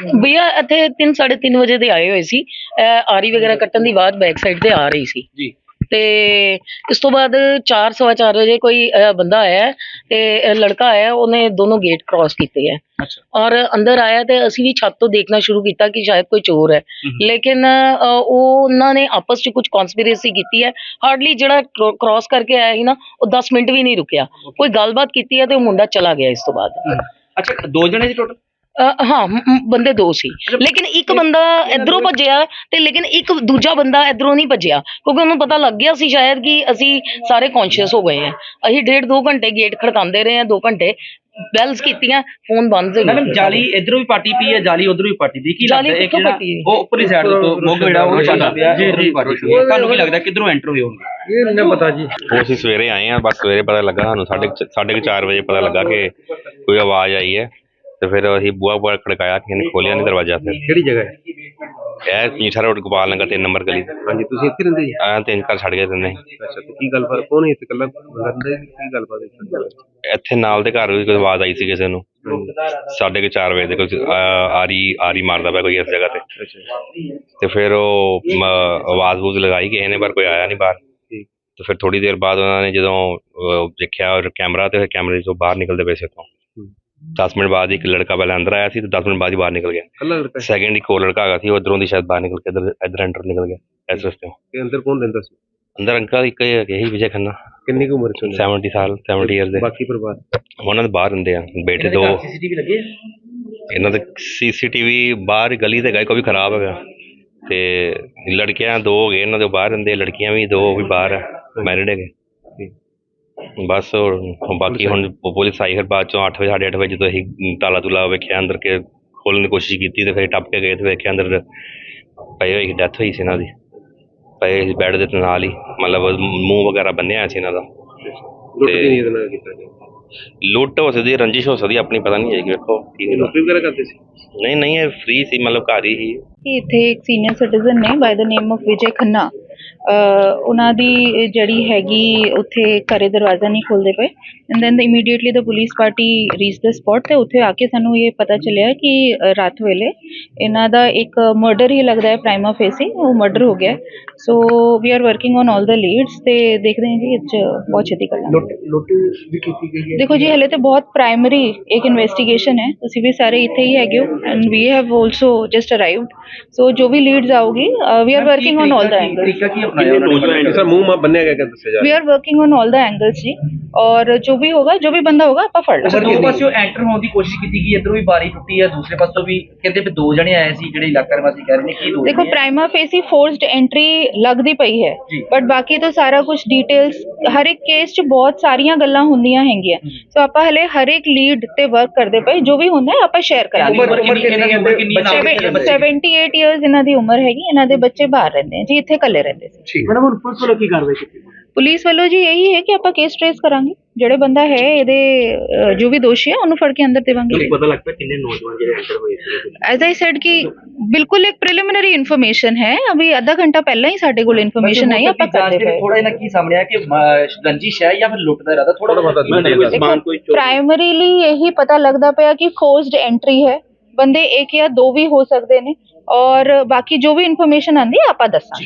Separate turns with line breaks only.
ਭਈਆ ਇੱਥੇ 3 3:30 ਵਜੇ ਦੇ ਆਏ ਹੋਏ ਸੀ। ਆਰੀ ਵਗੈਰਾ ਕੱਟਣ ਦੀ ਬਾਅਦ ਬੈਕ ਸਾਈਡ ਤੇ ਆ ਰਹੀ ਸੀ
ਜੀ।
ਤੇ ਇਸ ਤੋਂ ਬਾਅਦ 4 ਸਵਾ 4 ਵਜੇ ਕੋਈ ਬੰਦਾ ਆਇਆ ਤੇ ਲੜਕਾ ਆਇਆ, ਉਹਨੇ ਦੋਨੋਂ ਗੇਟ ਕ੍ਰਾਸ ਕੀਤੇ ਹੈ
ਅੱਛਾ।
ਔਰ ਅੰਦਰ ਆਇਆ ਤੇ ਅਸੀਂ ਵੀ ਛੱਤ ਤੋਂ ਦੇਖਣਾ ਸ਼ੁਰੂ ਕੀਤਾ ਕਿ ਸ਼ਾਇਦ ਕੋਈ ਚੋਰ ਹੈ, ਲੇਕਿਨ ਉਹਨਾਂ ਨੇ ਆਪਸ ਚ ਕੁਝ ਕਨਸਪੀਰੇਸੀ ਕੀਤੀ ਹੈ। ਹਾਰਡਲੀ ਜਿਹੜਾ ਕ੍ਰਾਸ ਕਰਕੇ ਆਇਆ ਸੀ ਨਾ, ਉਹ 10 ਮਿੰਟ ਵੀ ਨਹੀਂ ਰੁਕਿਆ, ਕੋਈ ਗੱਲਬਾਤ ਕੀਤੀ ਹੈ ਤੇ ਉਹ ਮੁੰਡਾ ਚਲਾ ਗਿਆ ਇਸ ਤੋਂ ਬਾਅਦ।
ਅੱਛਾ, 2 ਜਣੇ ਸੀ ਟੋਟਲ?
ਹਾਂ, ਬੰਦੇ 2 ਸੀ, ਲੇਕਿਨ ਇੱਕ ਬੰਦਾ ਇਧਰੋਂ ਭੱਜਿਆ ਤੇ ਲੇਕਿਨ ਇੱਕ ਦੂਜਾ ਬੰਦਾ ਇਧਰੋਂ ਨਹੀਂ ਭੱਜਿਆ, ਕਿਉਂਕਿ ਉਹਨੂੰ ਪਤਾ ਲੱਗ ਗਿਆ ਸੀ ਸ਼ਾਇਦ ਕਿ ਅਸੀਂ ਸਾਰੇ ਕੌਨਸ਼ੀਅਸ ਹੋ ਗਏ ਹਾਂ। ਅਸੀਂ 1.5-2 ਘੰਟੇ ਗੇਟ ਖੜਕਾਉਂਦੇ ਰਹੇ ਹਾਂ, 2 ਘੰਟੇ ਬੈਲਸ ਕੀਤੀਆਂ, ਫੋਨ ਬੰਦ ਸੀ।
ਮੈਡਮ ਜਾਲੀ ਇਧਰੋਂ ਵੀ ਪਾਟੀ ਪਈ ਹੈ, ਜਾਲੀ ਉਧਰੋਂ ਵੀ ਪਾਟੀ ਪਈ, ਕੀ ਲੱਗਦਾ ਇੱਕ ਜਿਹੜਾ ਉਹ ਉੱਪਰਲੀ ਸਾਈਡ ਤੋਂ ਮੁੱਗ ਜਿਹੜਾ ਉਹ ਚੱਲਦਾ ਪਿਆ, ਉਧਰੋਂ ਵੀ ਪਾਟੀ ਪਈ, ਤੁਹਾਨੂੰ ਕੀ ਲੱਗਦਾ ਕਿੱਧਰੋਂ ਐਂਟਰ ਹੋਏ ਹੋਣਗੇ?
ਇਹ ਨਹੀਂ ਪਤਾ ਜੀ।
ਉਹ ਅਸੀਂ ਸਵੇਰੇ ਆਏ ਹਾਂ, ਬਸ ਸਵੇਰੇ ਪਤਾ ਲੱਗਾ ਸਾਨੂੰ 4:30 ਵਜੇ ਪਤਾ ਲੱਗਾ ਕਿ ਕੋਈ ਆਵਾਜ਼ ਆਈ ਹੈ ਤੇ ਫਿਰ ਅਸੀਂ ਬੂਹਾ ਖੜਕਾਇਆ, ਕਿਸੇ ਨੇ ਖੋਲਿਆ ਨਹੀਂ ਦਰਵਾਜ਼ਾ। ਫਿਰ
ਕਿਹੜੀ ਜਗ੍ਹਾ ਹੈ?
ਇਹ ਨੀਸ਼ਾ ਰੋਡ ਗੋਪਾਲ ਨਗਰ 3 ਨੰਬਰ ਗਲੀ।
ਹਾਂਜੀ, ਤੁਸੀਂ ਇੱਥੇ ਰਹਿੰਦੇ ਜੀ?
3 ਘਰ ਛੱਡ ਕੇ ਦਿੰਦੇ।
ਅੱਛਾ, ਤੇ ਕੀ ਗੱਲਬਾਤ, ਕੌਣ ਹੈ ਇੱਥੇ ਇਕੱਲਾ ਬੰਦਾ, ਕੀ ਗੱਲਬਾਤ ਹੈ?
ਇੱਥੇ ਨਾਲ ਦੇ ਘਰ ਵੀ ਕੋਈ ਆਵਾਜ਼ ਆਈ ਸੀ ਕਿਸੇ ਨੂੰ 4:30 ਵਜੇ ਦੇ, ਕੋਈ ਆਰੀ ਮਾਰਦਾ ਪਿਆ ਕੋਈ ਇਸ ਜਗ੍ਹਾ ਤੇ। ਤੇ ਫਿਰ ਉਹ ਆਵਾਜ਼ ਬੂਜ਼ ਲਗਾਈ ਕਿਸੇ ਨੇ, ਪਰ ਕੋਈ ਆਇਆ ਨਹੀਂ ਬਾਹਰ। ਤੇ ਫਿਰ ਥੋੜੀ ਦੇਰ ਬਾਅਦ ਉਹਨਾਂ ਨੇ ਜਦੋਂ ਦੇਖਿਆ ਕੈਮਰਾ, ਤੇ ਕੈਮਰੇ ਤੋਂ ਬਾਹਰ ਨਿਕਲਦੇ ਪਏ ਸੀ ਉੱਥੋਂ। 10 ਮਿੰਟ ਬਾਅਦ ਇੱਕ ਲੜਕਾ ਪਹਿਲਾਂ ਅੰਦਰ ਆਇਆ ਸੀ ਤੇ 10 ਮਿੰਟ ਬਾਅਦ ਹੀ ਬਾਹਰ ਨਿਕਲ ਗਿਆ। ਸੈਕਿੰਡ ਇੱਕ ਹੋਰ ਲੜਕਾ ਹੈਗਾ ਸੀ, ਉਧਰੋਂ ਦੀ ਸ਼ਾਇਦ ਬਾਹਰ ਨਿਕਲ ਕੇ ਇੱਧਰ ਐਂਟਰ ਨਿਕਲ ਗਿਆ ਇਸ ਰਸਤੇ।
ਤੇ ਅੰਦਰ ਕੌਣ ਰਹਿੰਦਾ ਸੀ?
ਅੰਦਰ ਅੰਕਲ ਇੱਕ ਇਹੀ ਵਿਜੇ ਖੰਨਾ।
ਕਿੰਨੀ ਕੁ ਉਮਰ ਚ?
70 ਸਾਲ, 70 ਈਅਰ ਦੇ।
ਬਾਕੀ ਪਰਿਵਾਰ
ਉਹਨਾਂ ਦੇ ਬਾਹਰ ਰਹਿੰਦੇ ਆ, ਬੇਟੇ 2।
ਸੀਸੀਟੀਵੀ ਲੱਗੇ?
ਇਹਨਾਂ ਦੇ ਸੀਸੀਟੀਵੀ ਬਾਹਰ ਗਲੀ ਤੇ ਗਏ, ਕੋਈ ਵੀ ਖਰਾਬ ਹੈਗਾ। ਤੇ ਲੜਕੀਆਂ 2 ਹੋ ਗਏ ਇਹਨਾਂ ਦੇ ਬਾਹਰ ਰਹਿੰਦੇ, ਲੜਕੀਆਂ ਵੀ 2 ਵੀ ਬਾਹਰ ਹੈ, ਮੈਰਿਡ ਹੈਗੇ। ਬਸ ਬਾਕੀ ਹੁਣ ਪੁਲਿਸ ਆਈ, ਫਿਰ ਬਾਅਦ ਚੋਂ 8 ਵਜੇ 8:30 ਵਜੇ ਜਦੋਂ ਅਸੀਂ ਤਾਲਾ ਤੁਲਾ ਵੇਖਿਆ ਅੰਦਰ ਕੇ ਖੋਲ੍ਹਣ ਦੀ ਕੋਸ਼ਿਸ਼ ਕੀਤੀ ਤੇ ਫਿਰ ਟੱਪ ਕੇ ਗਏ ਤੇ ਵੇਖਿਆ ਅੰਦਰ ਪਏ ਹੋਈ ਡੈਥ ਹੋਈ ਸੀ ਇਹਨਾਂ ਦੀ, ਪਏ ਸੀ ਬੈੱਡ ਦੇ ਨਾਲ ਹੀ, ਮਤਲਬ ਮੂੰਹ ਵਗੈਰਾ ਬੰਨਿਆ ਹੋਇਆ ਸੀ ਇਹਨਾਂ ਦਾ। ਲੁੱਟ ਹੋ ਸਕਦੀ, ਰੰਜਿਸ਼ ਹੋ ਸਕਦੀ, ਆਪਣੀ ਪਤਾ ਨਹੀਂ ਹੈਗੀ। ਵੇਖੋ
ਨੌਕਰੀ ਵਗੈਰਾ ਕਰਦੇ ਸੀ?
ਨਹੀਂ ਇਹ ਫ੍ਰੀ ਸੀ, ਮਤਲਬ ਘਰ ਹੀ ਸੀ।
ਇੱਥੇ ਇੱਕ ਸੀਨੀਅਰ ਸਿਟੀਜ਼ਨ ਨੇ by the name of Vijay Khanna, ਉਹਨਾਂ ਦੀ ਜਿਹੜੀ ਹੈਗੀ ਉੱਥੇ ਘਰੇ ਦਰਵਾਜ਼ਾ ਨਹੀਂ ਖੋਲ੍ਹਦੇ ਪਏ, and then immediately the police party reach the spot. ਤੇ ਉੱਥੇ ਆ ਕੇ ਸਾਨੂੰ ਇਹ ਪਤਾ ਚੱਲਿਆ ਕਿ ਰਾਤ ਵੇਲੇ ਇਹਨਾਂ ਦਾ ਇੱਕ ਮਰਡਰ ਹੀ ਲੱਗਦਾ ਹੈ, ਪ੍ਰਾਈਮਾ ਫੇਸੀ ਉਹ ਮਰਡਰ ਹੋ ਗਿਆ। So we are working on all the leads ਤੇ ਦੇਖਦੇ ਹਾਂ ਜੀ ਇਹ 'ਚ ਬਹੁਤ ਛੇਤੀ ਕਰ ਲਾਂਗੇ।
ਲੁੱਟ ਵੀ ਕੀਤੀ ਗਈ ਹੈ?
ਦੇਖੋ ਜੀ, ਹਲੇ ਤਾਂ ਬਹੁਤ ਪ੍ਰਾਇਮਰੀ ਇੱਕ ਇਨਵੈਸਟੀਗੇਸ਼ਨ ਹੈ, ਤੁਸੀਂ ਵੀ ਸਾਰੇ ਇੱਥੇ ਹੀ ਹੈਗੇ ਹੋ and we have also just arrived. So ਜੋ ਵੀ ਲੀਡਸ ਆਉਗੀ, we are working on all the angles.
Sir ਮੂੰਹ ਬੰਨਿਆ ਗਿਆ ਦੱਸਿਆ ਜਾ ਰਿਹਾ?
We are working on all the angles ਜੀ, ਔਰ ਜੋ ਵੀ ਹੋਗਾ, ਜੋ ਵੀ ਬੰਦਾ ਹੋਗਾ ਆਪਾਂ ਫੜ ਲਾਂਗੇ।
2 ਪਾਸਿਓਂ ਐਂਟਰ ਹੋਣ ਦੀ ਕੋਸ਼ਿਸ਼ ਕੀਤੀ ਗਈ, ਇੱਧਰੋਂ ਵੀ ਬਾਰੀ ਟੁੱਟੀ ਹੈ, ਦੂਸਰੇ ਪਾਸੋਂ ਵੀ ਕਹਿੰਦੇ ਵੀ 2 ਜਣੇ ਆਏ ਸੀ ਜਿਹੜੇ ਇਲਾਕਾ ਨਿਵਾਸੀ ਕਹਿ ਰਹੇ ਨੇ। ਕੀ 2?
ਦੇਖੋ, ਪ੍ਰਾਈਮਾ ਫੇਸੀ ਫੋਰਸਡ ਐਂਟਰੀ ਲੱਗਦੀ ਪਈ ਹੈ, ਬਟ ਬਾਕੀ ਤਾਂ ਸਾਰਾ ਕੁਝ ਡਿਟੇਲਸ ਹਰ ਇੱਕ ਕੇਸ 'ਚ ਬਹੁਤ ਸਾਰੀਆਂ ਗੱਲਾਂ ਹੁੰਦੀਆਂ ਹੈਗੀਆਂ। ਸੋ ਆਪਾਂ ਹਲੇ ਹਰ ਇੱਕ ਲੀਡ ਤੇ ਵਰਕ ਕਰਦੇ ਪਏ, ਜੋ ਵੀ ਹੁੰਦਾ ਆਪਾਂ ਸ਼ੇਅਰ ਕਰਾਂਗੇ। 78 ਇਅਰਸ ਇਹਨਾਂ ਦੀ ਉਮਰ ਹੈਗੀ, ਇਹਨਾਂ ਦੇ ਬੱਚੇ ਬਾਹਰ ਰਹਿੰਦੇ ਜੀ, ਇੱਥੇ ਇਕੱਲੇ ਰਹਿੰਦੇ ਸੀ।
ਮੈਡਮ ਹੁਣ ਪੁਲਿਸ ਵੱਲੋਂ ਕੀ ਕਾਰਵਾਈ ਕੀਤੀ?
ਪੁਲਿਸ ਵੱਲੋਂ ਜੀ ਇਹੀ ਹੈ ਕਿ ਆਪਾਂ ਕੇਸ ਟ੍ਰੇਸ ਕਰਾਂਗੇ, ਜਿਹੜੇ ਬੰਦਾ ਹੈ ਇਹਦੇ ਜੋ ਵੀ ਦੋਸ਼ੀ ਹੈ ਉਹਨੂੰ ਫੜ ਕੇ ਅੰਦਰ ਦੇਵਾਂਗੇ।
ਪਤਾ ਲੱਗਦਾ ਕਿੰਨੇ ਨੌਜਵਾਨ ਜਿਹੜੇ ਐਂਟਰ ਹੋਏ ਸੀ?
ਐਜ਼ ਆਈ ਸੈਡ ਕਿ ਬਿਲਕੁਲ ਇੱਕ ਪ੍ਰੀਲਿਮਿਨਰੀ ਇਨਫੋਰਮੇਸ਼ਨ ਹੈ, ਅਭੀ ਅੱਧਾ ਘੰਟਾ ਪਹਿਲਾਂ ਹੀ ਸਾਡੇ ਕੋਲ ਇਨਫੋਰਮੇਸ਼ਨ ਆਈ, ਆਪਾਂ ਕਰਦੇ ਪਏ।
ਥੋੜਾ ਇਹਨਾਂ ਕੀ ਸਾਹਮਣੇ ਆਇਆ ਕਿ ਰੰਜਿਸ਼ ਹੈ ਜਾਂ ਫਿਰ ਲੁੱਟ ਦਾ ਇਰਾਦਾ? ਥੋੜਾ
ਪ੍ਰਾਇਮਰੀਲੀ ਇਹੀ ਪਤਾ ਲੱਗਦਾ ਪਿਆ ਕਿ ਫੋਰਸਡ ਐਂਟਰੀ ਹੈ, ਬੰਦੇ 1 ਜਾਂ 2 ਵੀ ਹੋ ਸਕਦੇ ਨੇ, ਔਰ ਬਾਕੀ ਜੋ ਵੀ ਇਨਫੋਰਮੇਸ਼ਨ ਆਂਦੀ ਆਪਾਂ ਦੱਸਾਂਗੇ।